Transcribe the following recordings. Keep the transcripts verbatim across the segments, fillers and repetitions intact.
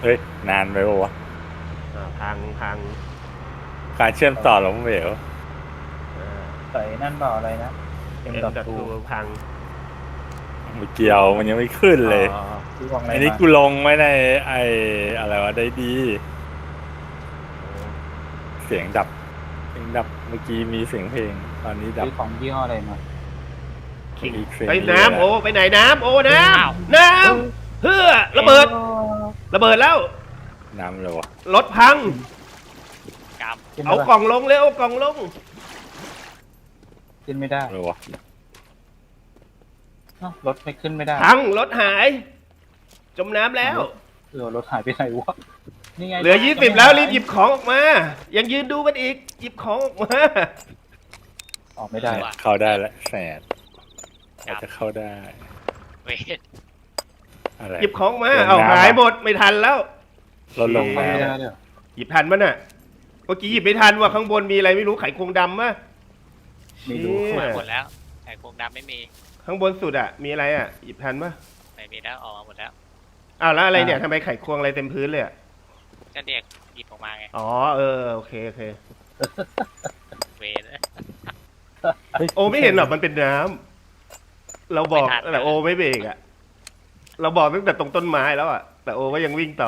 เฮ้ยนานไปปะวะอ่าพังพังการเชื่อมต่อล้มเหลวอ่าใส่นั่นเปล่าอะไรนะเอ็ M มดอทดับทูทูพังไม่เกี่ยวมันยังไม่ขึ้นเลยอ๋อที่วางอะไรอันนี้มากูลงไว้ในไออะไรวะได้ดี เสียงดับเสียงดับเมื่อกี้มีเสียงเพลง ตอนนี้ดับซื้อของยี่ห้ออะไรมาคิงอีกเสียงไปเยอะน้ำโอ้ไปไหนน้ำโอ้น้ำน้ำเพื่อระเบิด ระเบิดแล้วน้ำเลยวะรถพังกรรมขึ้นเอาไม่กล่องลงเร็วเอากล่องลงขึ้นไม่ได้เลยวะเอ้ารถไม่ขึ้นไม่ได้พังรถหาย จมน้ำแล้วเออรถหายไปไหนวะนี่ไงเหลือยี่สิบแล้วรีบหยิบของออกมา ยังยืนดูมันอีก หยิบของออกมาออกไม่ได้เข้าได้แล้วแสดอาจจะเข้าได้เวทอะไรหยิบของมาลงน้ำเอาหายหมดไม่ทันแล้วลดลงเข้าแล้ไม่ได้วเลยเหรอหยิบทันมั้ยน่ะ เมื่อกี้หยิบไม่ทันว่าข้างบนมีอะไรไม่รู้ไขควงดำมะไม่รู้เชี่ยหมดแล้วไข่โครงดำไม่มีข้างบนสุดอ่ะ มีอะไรอ่ะ หยิบทันปะไม่มีแล้วออกมาหมดแล้วอ้าวแล้วอะไรเนี่ยทำไมไขควงอะไรเต็มพื้นเลยอ่ะก็เด็กหยิบออกมาไงอ๋อเออโอเคโอเคเวทโอไม่เห็นหรอกมันเป็นน้ำเราบอกไม่ทันแต่โอไม่เบรกอ่ะ เราบอกตั้งแต่ตรงต้นไม้แล้วอ่ะ แต่โอก็ยังวิ่งต่อ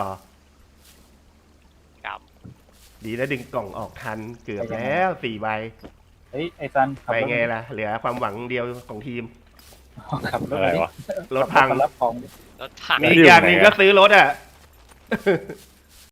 กรรมดีนะดึงกล่องออกทันเกือบแล้วสี่ใบเฮ้ยไอ้ซันขับไปรถไงล่ะ เหลือความหวังเดียวของทีมขับรถอะไรมาดิวะรถพังขับมารับของรถพังมีอีกอย่างหนึ่งก็ซื้อรถอ่ะ